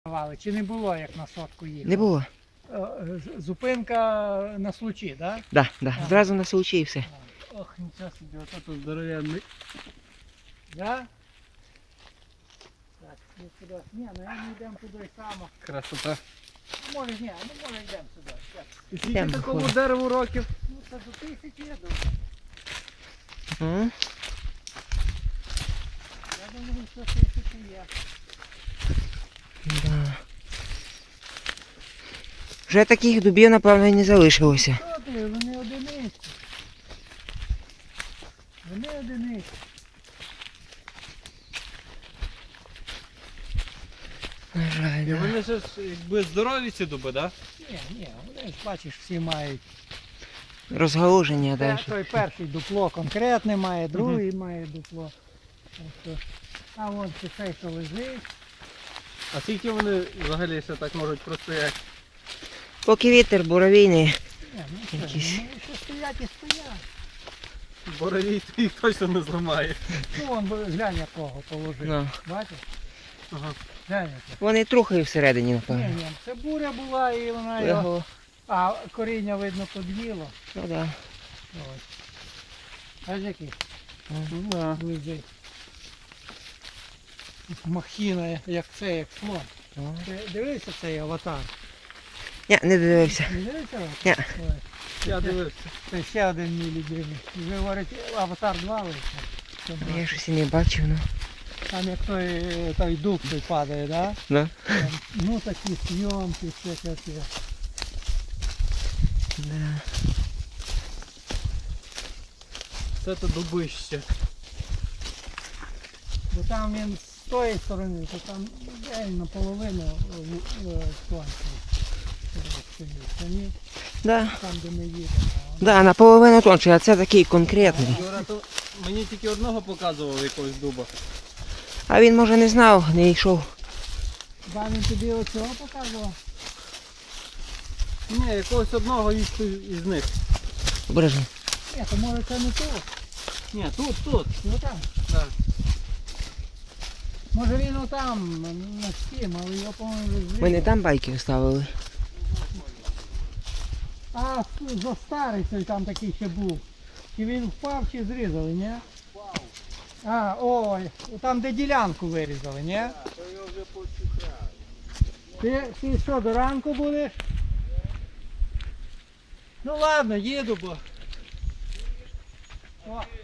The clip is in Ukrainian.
Чи не було, як на сотку їхав? Не було. Зупинка на Случі, так? Да? Да, да. Ага. Зразу на Случі і все. Ох, нічого собі, ото тут здоровенний. Да? Так, ми сюди. Ні, ну я не йдемо туди само. Красота. Може, ні, ну може йдемо сюди. Так. І скільки Йдемо, такому ходимо. дереву років? Ну це до 1000, я думаю. М? Я думаю, що 1000 є. Да. Вже таких дубів, напевно, і не залишилося. Що ти, вони одиниці. Вони одиниці. На жаль, І да. вони ж якби здорові ці дуби, так? Ні, вони ж бачиш, всі мають. Розгалуження далі. Той перший дупло конкретне має, другий має дупло. Тобто, а вон цей, що лежить. А скільки вони взагалі ще так можуть простояти? Поки вітер буровійний. Ні, ну що, Якісь. ну що стоять і стоять. Боровій то їх точно не зламає. Ну вон глянь якого положив. Ну. Бачиш? Ага. Глянь яке. Вони трухи всередині, Ні, напевно. ні, це буря була і вона його. Легло. А коріння видно подвіло. Ну да. Ось. Аж який Ну, да. лежить. Махіна, як це, як слон. Ну. Ти дивився цей аватар? Ні, не дивився. Не дивився аватар? Ні. Ой. Я дивився. Це ще один мій любимий. Ви говорите, аватар 2 вийшов. Я щось і не бачив, ну. Там як той дуб той падає, да? Да. Там, ну такі зйомки, все таке. Да. Це то дубище. Бо там він з тої сторони, то там день наполовину тонкий. Самі, Да. там де ми їдемо. Да, наполовину тонший, а це такий конкретний. Юра, то мені тільки одного показували якогось дуба. А він, може, не знав, не йшов. Хіба він тобі оцього показував? Ні, якогось одного із них. Обережно. Ні, то може це не тут. Ні, тут. Ну там. Да. Може він отам, на стім, але його, по-моєму, вже зрізали. Ми не там байки ставили. А за старий той там такий ще був. Чи він впав, чи зрізали, ні? Впав. А, ой, там де ділянку вирізали, ні? То його вже почухали. Ти що, до ранку будеш? Ну ладно, їду, бо. О,